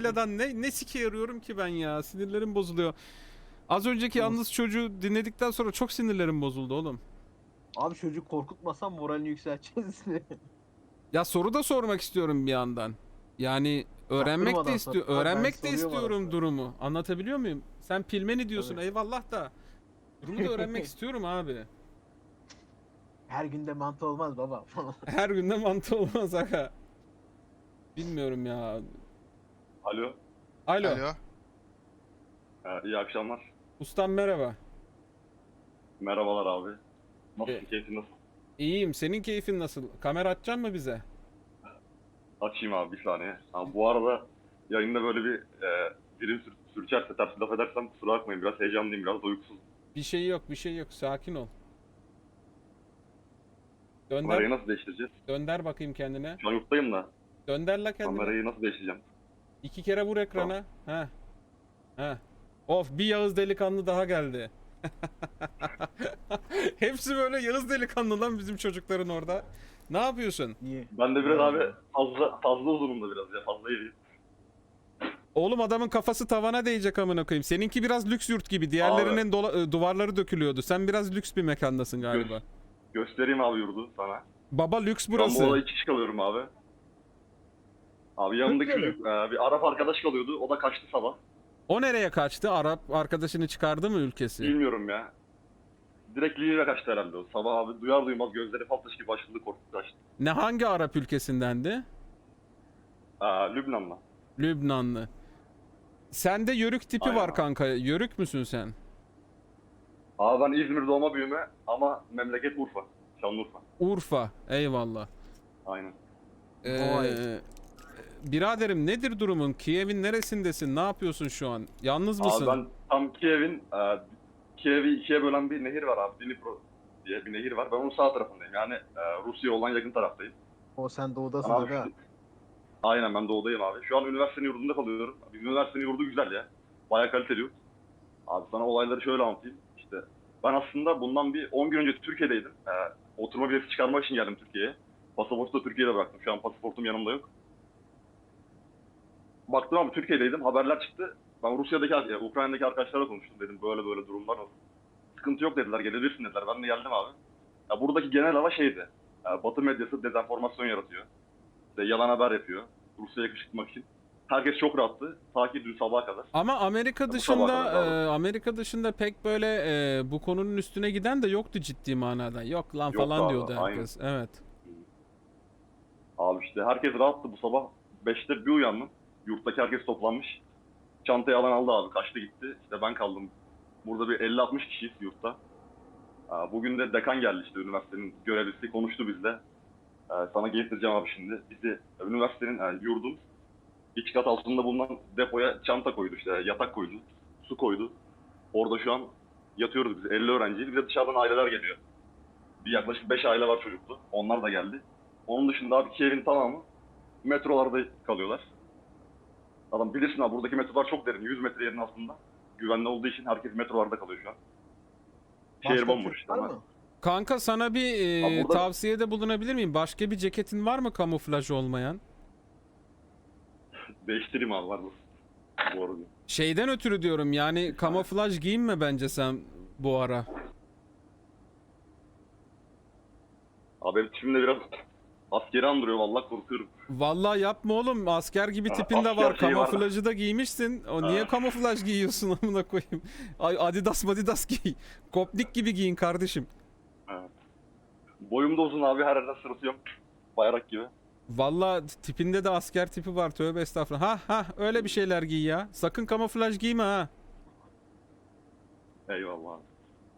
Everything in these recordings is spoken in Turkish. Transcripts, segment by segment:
Antalya'dan ne sike yarıyorum ki ben ya. Sinirlerim bozuluyor. Az önceki yalnız çocuğu dinledikten sonra çok sinirlerim bozuldu oğlum. Abi çocuk korkutmasan moralini yükselteceğiz. Ya soru da sormak istiyorum bir yandan. Yani Çaktırmadan sor. Abi ben öğrenmek de soruyorum istiyorum arasında. durumu. Anlatabiliyor muyum? Sen pilmeni diyorsun Tabii. eyvallah da. Durumu da öğrenmek istiyorum abi. Her günde mantı olmaz baba falan. Her günde mantı olmaz aga. Bilmiyorum ya. Alo. Alo. Alo. İyi akşamlar. Ustam merhaba. Merhabalar abi. E, Nasılsın? Keyfin nasıl? iyiyim. Senin keyfin nasıl? Kamera açacaksın mı bize? Açayım abi bir saniye. Ha, bu arada yayında böyle bir dilim sürçerse, ters laf edersem kusura bakmayın. Biraz heyecanlıyım, biraz da uykusuzum. Bir şey yok, bir şey yok. Sakin ol. Dönder, Kamerayı nasıl değiştireceğiz? dönder bakayım kendine. Şu an yurttayım da. Dönder la kendine. Kamerayı nasıl değiştireceğim? 2 kere vur ekrana. Ha. Ha. Of bir Yağız delikanlı daha geldi. Hepsi böyle Yağız delikanlı lan bizim çocukların orada. Ne yapıyorsun? İyi. Ben de biraz abi fazla uzunum da biraz ya. Fazla iyiyim. Oğlum adamın kafası tavana değecek amına koyayım. Seninki biraz lüks yurt gibi. Diğerlerinin duvarları dökülüyordu. Sen biraz lüks bir mekandasın galiba. Göstereyim abi yurdu sana. Baba lüks Şu an bu burası. arada 2 kişi kalıyorum abi. Abi yanımdaki Türkiye'de. çocuk bir Arap arkadaş kalıyordu. O da kaçtı sabah. O nereye kaçtı? Arap arkadaşını çıkardı mı ülkesi? Bilmiyorum ya. Direkt Lille'e kaçtı herhalde o. Sabah abi duyar duymaz gözleri fal gibi açıldı, korktu kaçtı. Ne hangi Arap ülkesindendi? Lübnan'la. Lübnanlı. Sende yörük tipi Aynen var abi. kanka. Yörük müsün sen? Abi ben İzmir doğma büyüme ama memleket Urfa. Şanlıurfa. Urfa. Eyvallah. Aynen. Vay. Biraderim nedir durumun? Kiev'in neresindesin? Ne yapıyorsun şu an? Yalnız mısın? Abi ben tam Kiev'i ikiye bölen bir nehir var abi. Dnipro diye bir nehir var. Ben onun sağ tarafındayım. Yani Rusya'ya olan yakın taraftayım. O sen doğudasın Abi, aga. aynen ben doğudayım abi. Şu an üniversitenin yurdunda kalıyorum. Bizim üniversitenin yurdu güzel ya. Bayağı kaliteli yurt. Abi sana olayları şöyle anlatayım. İşte ben aslında bundan bir 10 gün önce Türkiye'deydim. Oturma bileti çıkarmak için geldim Türkiye'ye. Pasaportu da Türkiye'de bıraktım. Şu an pasaportum yanımda yok. Baktım abi Türkiye'deydim. Haberler çıktı. Ben Ukrayna'daki arkadaşlarla konuştum. Dedim böyle böyle durumlar var. Sıkıntı yok dediler. Gelebilirsin dediler. Ben de geldim abi. Ya buradaki genel hava şeydi. Batı medyası dezenformasyon yaratıyor. İşte yalan haber yapıyor. Rusya'ya yakışıklık için. Herkes çok rahattı. Ta ki dün sabaha kadar. Ama Amerika Bu dışında sabah kadar abi. Amerika dışında pek böyle bu konunun üstüne giden de yoktu ciddi manada. Yok lan Yoktu falan abi, diyordu aynen. herkes. Evet. Abi işte herkes rahattı bu sabah. 5'te bir uyandım. Yurttaki herkes toplanmış. Çantayı alan aldı abi. Kaçtı gitti. İşte ben kaldım. Burada bir 50-60 kişiyiz yurtta. Bugün de dekan geldi işte üniversitenin görevlisi. Konuştu bizle. Sana getireceğim abi şimdi. Bizi üniversitenin yurdun iç kat altında bulunan depoya çanta koydu işte. Yatak koydu. Su koydu. Orada şu an yatıyoruz biz. 50 öğrenciyiz. Bir de dışarıdan aileler geliyor. Bir yaklaşık 5 aile var çocuklu. Onlar da geldi. Onun dışında abi Kiev'in tamamı metrolarda kalıyorlar. Adam bilirsin abi buradaki metrolar çok derin. 100 metre yerin altında. Güvenli olduğu için herkes metrolarda kalıyor şu an. Şehir Başka bomboş Türk işte var ama. mı? Kanka sana bir Abi burada- tavsiyede bulunabilir miyim? Başka bir ceketin var mı kamuflaj olmayan? Değiştireyim abi var mı? Bu arada. Şeyden ötürü diyorum yani kamuflaj giyinme bence sen bu ara. Abi benim tipim de biraz askeri andırıyor vallahi korkuyorum. Vallahi yapma oğlum asker gibi tipin de Asker var. şeyi var. Kamuflajı da giymişsin. Niye Ha. kamuflaj giyiyorsun amına koyayım? Ay Adidas giy. Kopnik gibi giyin kardeşim. Boyum da uzun abi her yerden sırıtıyorum. Bayrak gibi. Vallahi tipinde de asker tipi var. Tövbe estağfurullah. Ha öyle bir şeyler giy ya. Sakın kamuflaj giyme ha. Eyvallah abi.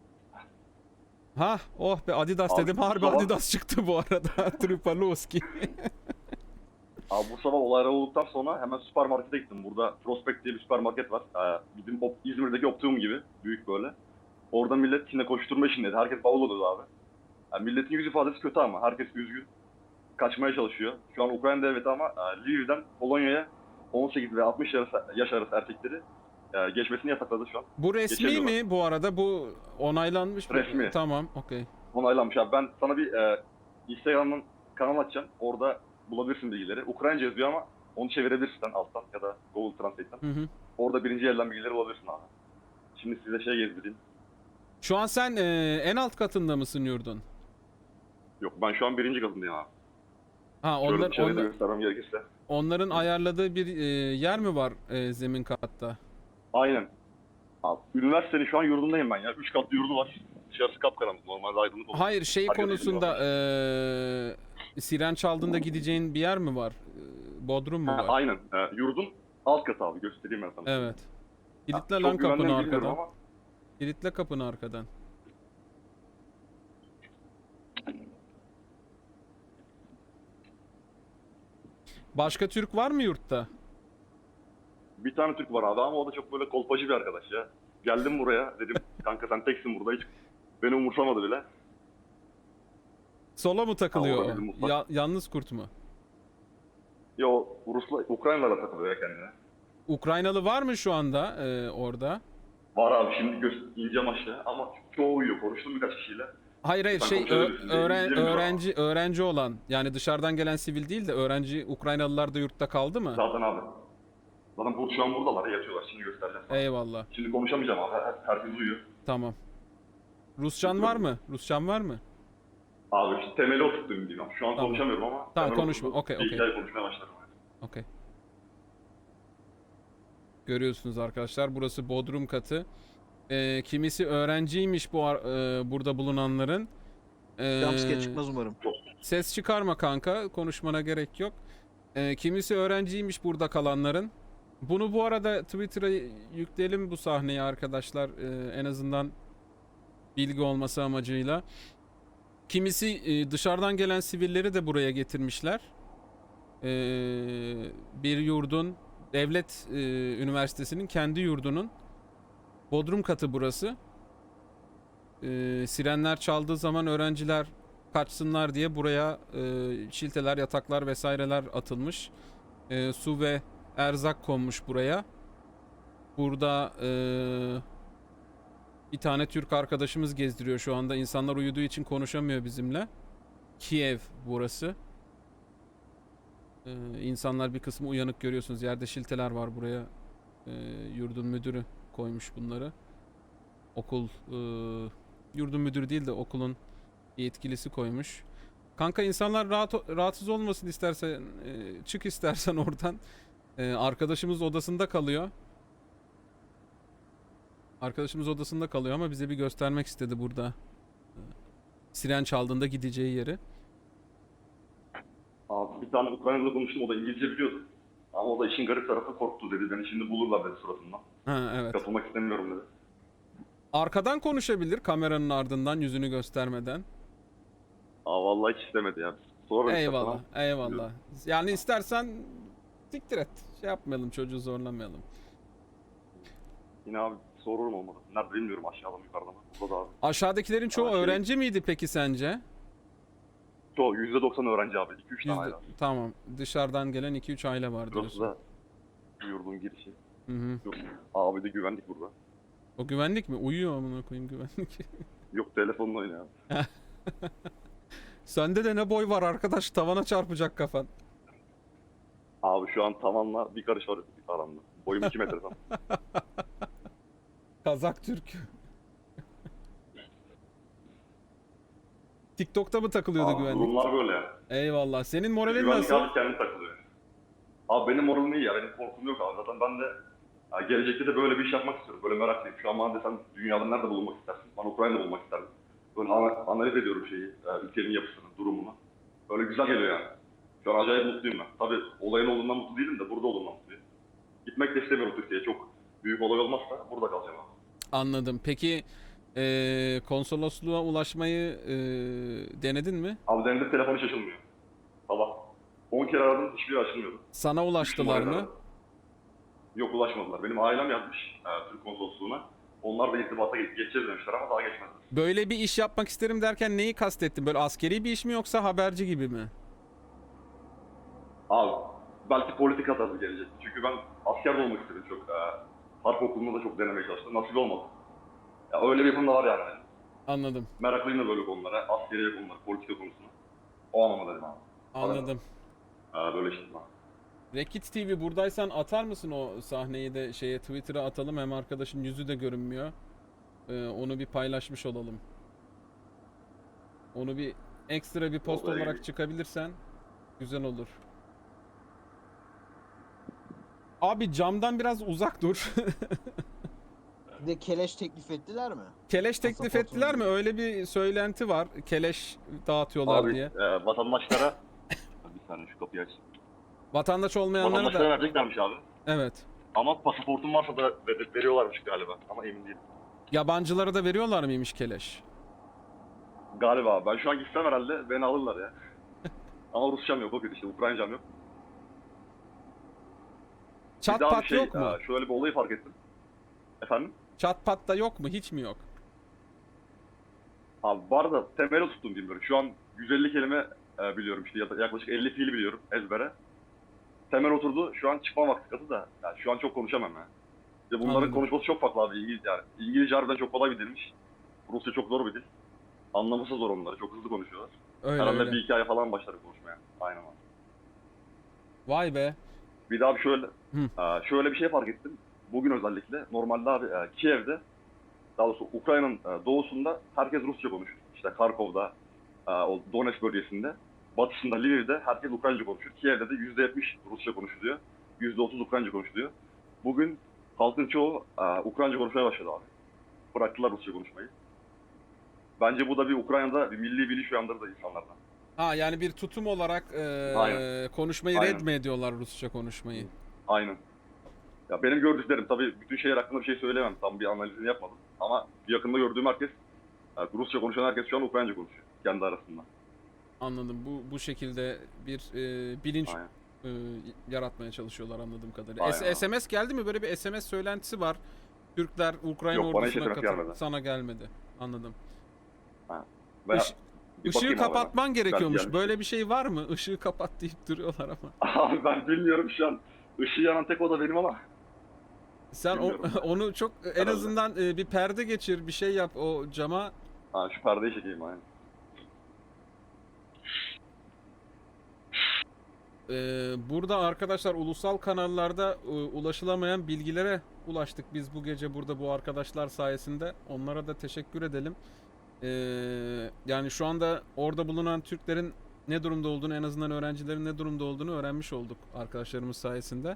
Oh be Adidas Abi, dedim. bu Harbi sabah- Adidas çıktı bu arada. Tripaloski. Abi bu sabah olaylar olduktan sonra hemen süpermarkete gittim. Burada Prospect diye bir süpermarket var. Bizim İzmir'deki Optimum gibi. Büyük böyle. Orada millet yine koşturma işindeydi. Herkes bavul oluyordu abi. Yani milletin yüz ifadesi kötü ama. Herkes üzgün. Kaçmaya çalışıyor. Şu an Ukrayna devleti ama Lviv'den Polonya'ya 18 ve 60 yaş arası erkekleri geçmesini yasakladı şu an. Bu resmi Geçemiyorlar. mi bu arada? Bu onaylanmış mı? Resmi. Tamam, okey. Onaylanmış abi. Ben sana bir Instagram'dan kanal açacağım. Orada bulabilirsin bilgileri. Ukraynaca yazıyor ama Onu çevirebilirsin alttan ya da Google Translate'ten. Hı hı. Orada birinci elden bilgileri bulabilirsin abi. Şimdi size şey gezdireyim. Şu an sen en alt katında mısın yurdun? Yok ben şu an birinci katındayım abi. Ha Şöyle dışarıda göstermem gerekirse. onların ayarladığı bir yer mi var zemin katta? Aynen. Abi, üniversitenin şu an yurdundayım ben ya. 3 katlı yurdu var. Dışarısı kapkaranlık. Normalde aydınlık olur. Hayır şey Herkes konusunda izliyor. siren çaldığında gideceğin bir yer mi var? Bodrum mu Ha, var? aynen. Yurdun alt katı abi. Göstereyim ben sana. Evet. Kilitle Çok lan kapını güvenli mi bilmiyorum arkadan. ama Kilitle kapını arkadan. Başka Türk var mı yurtta? bir tane Türk var abi ama o da çok böyle kolpacı bir arkadaş ya. Geldim buraya dedim kanka sen teksin burada hiç beni umursamadı bile. Sola mı takılıyor Ha, o? orada bir mutfak. Yalnız kurt mu? Yo Rusla Ukraynalara takılıyor ya kendine. Ukraynalı var mı şu anda orada? Var abi şimdi ineceğim aşağı ama çoğu uyuyor. Konuştum birkaç kişiyle. Hayır hayır Sen şey konuşabilirsin. Bilgilerim var ama. öğrenci olan yani dışarıdan gelen sivil değil de öğrenci Ukraynalılar da yurtta kaldı mı? Zaten abi. Zaten şu an buradalar yatıyorlar şimdi göstereceğim sana. Eyvallah. Şimdi konuşamayacağım abi. Herkes uyuyor. Tamam. Rusçan var mı? Rusçan var mı? Abi işte temeli oturttum diyeyim. Şu an Tamam. konuşamıyorum ama. Tamam, temel konuşma. oturttum. Okey, Bir okey. iki ay konuşmaya başladım. Okey. Görüyorsunuz arkadaşlar burası bodrum katı. Kimisi öğrenciymiş burada bulunanların. Jumpscare çıkmaz umarım. Ses çıkarma kanka. Konuşmana gerek yok. Kimisi öğrenciymiş burada kalanların. Bunu bu arada Twitter'a yükleyelim bu sahneyi arkadaşlar. En azından bilgi olması amacıyla. Kimisi dışarıdan gelen sivilleri de buraya getirmişler. Bir yurdun, devlet üniversitesinin kendi yurdunun bodrum katı burası. Sirenler çaldığı zaman öğrenciler kaçsınlar diye buraya şilteler, yataklar vesaireler atılmış. Su ve erzak konmuş buraya. Burada bir tane Türk arkadaşımız gezdiriyor şu anda. İnsanlar uyuduğu için konuşamıyor bizimle. Kiev burası. İnsanlar bir kısmı uyanık görüyorsunuz. Yerde şilteler var buraya. Yurdun müdürü koymuş bunları. Okul yurdun müdürü değil de okulun yetkilisi koymuş. Kanka insanlar rahatsız olmasın istersen çık istersen oradan. Arkadaşımız odasında kalıyor. Arkadaşımız odasında kalıyor ama bize bir göstermek istedi burada. Siren çaldığında gideceği yeri. Abi bir tane Ukraynalı konuştum o da İngilizce biliyordu. Ama o da işin garip tarafı korktu dedi. Beni şimdi bulurlar dedi suratından. Ha evet. Katılmak istemiyorum dedi. Arkadan konuşabilir kameranın ardından yüzünü göstermeden. Vallahi hiç istemedi ya. Sonra Eyvallah, eyvallah. Yani istersen siktir et. Şey yapmayalım, çocuğu zorlamayalım. Yine abi sorurum olmadı. Nerede bilmiyorum aşağıda mı yukarıda mı? Burada da abi. Aşağıdakilerin çoğu Şey- öğrenci miydi peki sence? Çoğu %90 öğrenci abi. 2-3 tane aile. Tamam. Dışarıdan gelen 2-3 aile var Burası diyorsun. da yurdun girişi. Hı hı. Yok. Abi de güvenlik burada. O güvenlik mi? Uyuyor amına koyayım güvenlik. Yok telefonla oynuyor abi. Sende de ne boy var arkadaş, tavana çarpacak kafan. Abi şu an tavanla bir karış var aramda. Boyum 2 metre falan. Kazak Türk. TikTok'ta mı takılıyordu Abi güvenlik? durumlar böyle ya. Eyvallah. Senin moralin Güvenlik nasıl? abi kendi takılıyor. Abi benim moralim iyi ya. Benim korkum yok abi. Zaten ben de ya gelecekte de böyle bir iş yapmak istiyorum. Böyle meraklıyım. Şu an bana desen dünyada nerede bulunmak istersin? Ben Ukrayna'da bulunmak isterdim. Böyle analiz ediyorum şeyi, ülkenin yapısını, durumunu. Böyle güzel geliyor yani. Şu an acayip mutluyum ben. Tabii olayın olduğundan mutlu değilim de burada olduğundan mutluyum. Gitmek de istemiyorum Türkiye'ye. Çok büyük olay olmazsa burada kalacağım abi. Anladım. Peki konsolosluğa ulaşmayı denedin mi? Abi denedim telefonu hiç açılmıyor. Sabah 10 kere aradım hiçbiri açılmıyordu. Sana ulaştılar Üç numarayı mı? aradım. Yok ulaşmadılar. Benim ailem yazmış Türk konsolosluğuna. Onlar da irtibata geçeceğiz demişler ama daha geçmediler. Böyle bir iş yapmak isterim derken neyi kastettin? Böyle askeri bir iş mi yoksa haberci gibi mi? Abi belki politika tarzı gelecek. Çünkü ben asker de olmak istedim çok. Harp okulunda da çok denemeye çalıştım. Nasip olmadı. Ya öyle bir yapım da var yani benim. Anladım. Meraklıyım da böyle konulara. Askeriye konulara, politika konusuna. O anlamda dedim abi. Anladım. Böyle işte. Rekit TV buradaysan atar mısın o sahneyi de şeye Twitter'a atalım, hem arkadaşın yüzü de görünmüyor. Onu bir paylaşmış olalım. Onu bir ekstra bir post Vallahi olarak çıkabilirsen güzel olur. Abi camdan biraz uzak dur. Bir de keleş teklif ettiler mi? Keleş teklif Pasaportunu ettiler mi? diyor. Öyle bir söylenti var. Keleş dağıtıyorlar Abi diye. vatandaşlara bir saniye şu kapıyı aç. Vatandaş olmayanlara Vatandaşlara da vereceklermiş abi. evet. Ama pasaportun varsa da veriyorlarmış galiba. Ama emin değilim. Yabancılara da veriyorlar mıymış keleş? Galiba. Ben şu an gitsem herhalde beni alırlar ya. Ama Rusçam yok o kötü işte. Ukrayncam yok. Çat Bir daha pat bir şey, yok mu? şöyle bir olayı fark ettim. Efendim? Çat pat da yok mu? Hiç mi yok? Abi var da temeli tuttum diyeyim böyle. Şu an 150 kelime biliyorum işte yaklaşık 50 fiil biliyorum ezbere. Temel oturdu. Şu an çıkma vakti katı da. Yani şu an çok konuşamam ya. İşte bunların Anladım. konuşması çok farklı abi. Yani İngilizce harbiden çok kolay bir dilmiş. Rusça çok zor bir dil. Anlaması zor onları. Çok hızlı konuşuyorlar. Öyle Herhalde öyle. bir hikaye falan başlar konuşmaya. Aynen abi. Vay be. Bir daha şöyle Hı. şöyle bir şey fark ettim. Bugün özellikle normalde abi Kiev'de daha doğrusu Ukrayna'nın doğusunda herkes Rusça konuşur. İşte Kharkov'da o Donetsk bölgesinde, batısında Lviv'de herkes Ukraynaca konuşur. Kiev'de de %70 Rusça konuşuluyor. %30 Ukraynaca konuşuluyor. Bugün halkın çoğu Ukraynaca konuşmaya başladı abi. Bıraktılar Rusça konuşmayı. Bence bu da bir Ukrayna'da bir milli bilinç uyandırdı insanlardan. Ha yani bir tutum olarak Aynen. konuşmayı Aynen. red mi ediyorlar, Rusça konuşmayı? Aynen. Ya benim gördüklerim tabii bütün şehir hakkında bir şey söyleyemem. Tam bir analizini yapmadım. Ama yakında gördüğüm herkes, Rusça konuşan herkes şu an Ukraynaca konuşuyor. Kendi arasında. Anladım. Bu şekilde bir bilinç Aynen. yaratmaya çalışıyorlar anladığım kadarıyla. Aynen abi. SMS geldi mi? Böyle bir SMS söylentisi var. Türkler Ukrayna Yok, bana hiç ordusuna SMS gelmedi. sana gelmedi. Anladım. Veya Iş- bir Işığı bakayım abi ben. kapatman gerekiyormuş. gelmiş. Böyle bir şey var mı? Işığı kapat deyip duruyorlar ama. Abi ben bilmiyorum şu an. Işığı yanan tek oda benim ama. Sen Bilmiyorum. onu çok en Herhalde. azından bir perde geçir, bir şey yap o cama. Şu perdeyi çekeyim aynen. Burada arkadaşlar ulusal kanallarda ulaşılamayan bilgilere ulaştık biz bu gece burada bu arkadaşlar sayesinde. Onlara da teşekkür edelim. Yani şu anda orada bulunan Türklerin ne durumda olduğunu, en azından öğrencilerin ne durumda olduğunu öğrenmiş olduk arkadaşlarımız sayesinde.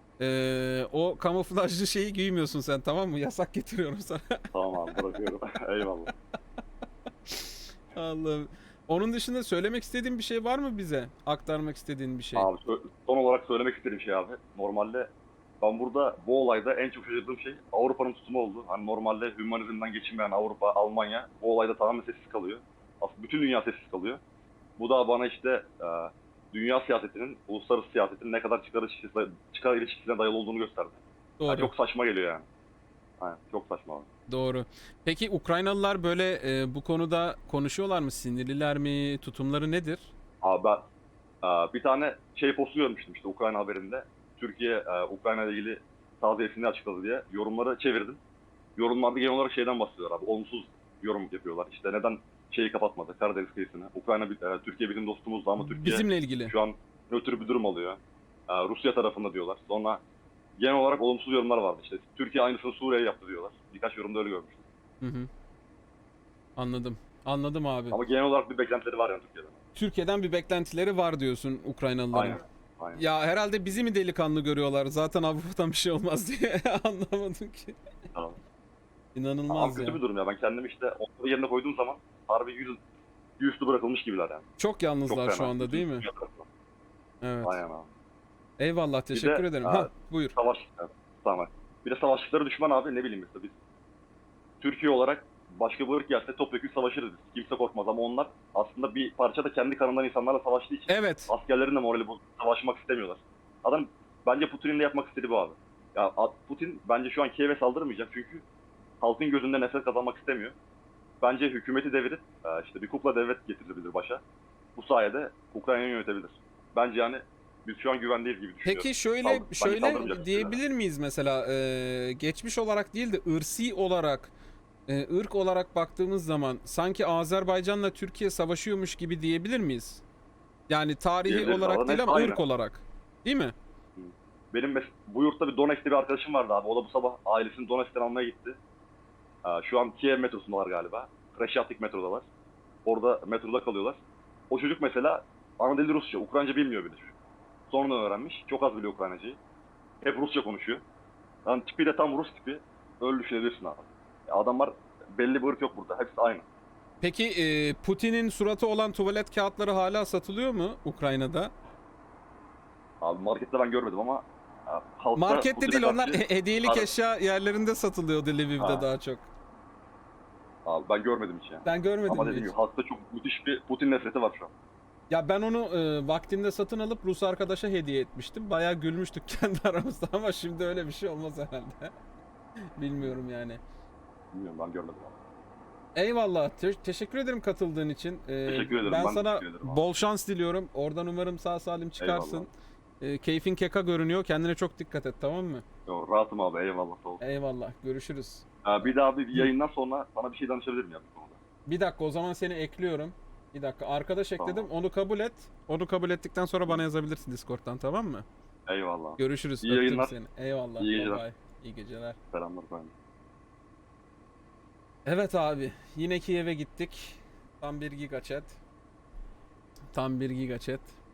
O kamuflajlı şeyi giymiyorsun sen, tamam mı? Yasak getiriyorum sana. Tamam abi bırakıyorum. Eyvallah. Allah'ım. Onun dışında söylemek istediğin bir şey var mı bize? Aktarmak istediğin bir şey. Abi son olarak söylemek istediğim şey abi. Normalde ben burada bu olayda en çok şaşırdığım şey Avrupa'nın tutumu oldu. Hani normalde hümanizmden geçinmeyen Avrupa, Almanya bu olayda tamamen sessiz kalıyor. Aslında bütün dünya sessiz kalıyor. Bu da bana işte dünya siyasetinin, uluslararası siyasetin ne kadar çıkar ilişkisine dayalı olduğunu gösterdi. Doğru. Yani çok saçma geliyor yani. Aynen, çok saçma abi. Doğru. Peki Ukraynalılar böyle bu konuda konuşuyorlar mı? Sinirliler mi? Tutumları nedir? Abi ben bir tane şey postu görmüştüm işte Ukrayna haberinde. Türkiye Ukrayna ile ilgili taziyesini açıkladı diye yorumları çevirdim. Yorumlarda genel olarak şeyden bahsediyorlar abi. Olumsuz yorum yapıyorlar. İşte neden şeyi kapatmadı Karadeniz kıyısını. Türkiye bizim dostumuzdu ama Türkiye Bizimle ilgili. şu an nötr bir durum alıyor. Rusya tarafında diyorlar. Sonra genel olarak olumsuz yorumlar vardı işte. Türkiye aynısını Suriye'ye yaptı diyorlar. Birkaç yorumda öyle görmüştüm. Hı hı. Anladım. Anladım abi. Ama genel olarak bir beklentileri var yani Türkiye'den. Türkiye'den bir beklentileri var diyorsun Ukraynalıların. Aynen. Aynen. Ya herhalde bizi mi delikanlı görüyorlar? Zaten Avrupa'dan bir şey olmaz diye anlamadım ki. Tamam. Ama İnanılmaz kötü ya. bir durum ya. Ben kendimi işte onların yerine koyduğum zaman harbi yüzüstü bırakılmış gibiler yani. Çok yalnızlar Çok şu fena. anda değil mi? Dünya tarafından. Evet. Aynen abi. Eyvallah, teşekkür de, ederim. aa, Ha, buyur. Tamam. Bir de savaşçıları düşman abi ne bileyim mesela biz. Türkiye olarak başka bir ırk gelse topyekun savaşırız biz. Kimse korkmaz ama onlar aslında bir parça da kendi kanından insanlarla savaştığı için Evet. askerlerin de morali bozuk. Savaşmak istemiyorlar. Adam bence Putin'in de yapmak istediği bu abi. Ya Putin bence şu an Kiev'e saldırmayacak çünkü halkın gözünde nefret kazanmak istemiyor. Bence hükümeti devirip işte bir kukla devlet getirilebilir başa. Bu sayede Ukrayna'yı yönetebilir. Bence yani biz şu an güvendeyiz gibi düşünüyorum. Peki şöyle Bence şöyle saldırmayacak diyebilir miyiz mesela geçmiş olarak değil de ırsi olarak ırk olarak baktığımız zaman sanki Azerbaycan'la Türkiye savaşıyormuş gibi diyebilir miyiz? Yani tarihi Diyebiliriz olarak ama değil net ama aynı. ırk olarak. Değil mi? bu yurtta bir Donetsk'te bir arkadaşım vardı abi. O da bu sabah ailesini Donetsk'ten almaya gitti. Şu an Kiev metrosundalar galiba. Kreşatlik metrodalar. Orada metroda kalıyorlar. O çocuk mesela ana dili Rusça. Ukraynaca bilmiyor bile çocuk. Sonradan öğrenmiş. Çok az biliyor Ukraynacayı. Hep Rusça konuşuyor. Yani tipi de tam Rus tipi. Öyle düşünebilirsin abi. Adamlar belli bir ırk yok burada. Hepsi aynı. Peki Putin'in suratı olan tuvalet kağıtları hala satılıyor mu Ukrayna'da? Abi markette ben görmedim ama halkta Markette Putin'e değil, onlar karşı- hediyelik Abi- eşya yerlerinde satılıyordu Lviv'de Ha. daha çok. Abi ben görmedim hiç yani. Ben görmedim Ama hiç. dediğim gibi halkta çok müthiş bir Putin nefreti var şu an. Ya ben onu vaktinde satın alıp Rus arkadaşa hediye etmiştim. Bayağı gülmüştük kendi aramızda ama şimdi öyle bir şey olmaz herhalde. Bilmiyorum yani. Bilmiyorum, ben görmedim abi. Eyvallah. Teşekkür ederim katıldığın için. Teşekkür ederim, Ben ben sana teşekkür ederim abi. bol şans diliyorum. Oradan umarım sağ salim çıkarsın. Keyfin keka görünüyor. Kendine çok dikkat et, tamam mı? Yo, rahatım abi, eyvallah, sağ ol. Eyvallah. Görüşürüz. Bir daha bir yayından sonra sana bir şey danışabilirim ya bu konuda. Bir dakika, o zaman seni ekliyorum. Bir dakika, arkadaş ekledim. Tamam. Onu kabul et. Onu kabul ettikten sonra bana yazabilirsin Discord'dan, tamam mı? Eyvallah. Görüşürüz. İyi Öptüm yayınlar. seni. Eyvallah. İyi Bye geceler. bye. İyi geceler. Selamlar efendim. Evet abi. Yine Kiev'e gittik. Tam 1 giga chat. Tam 1 giga chat.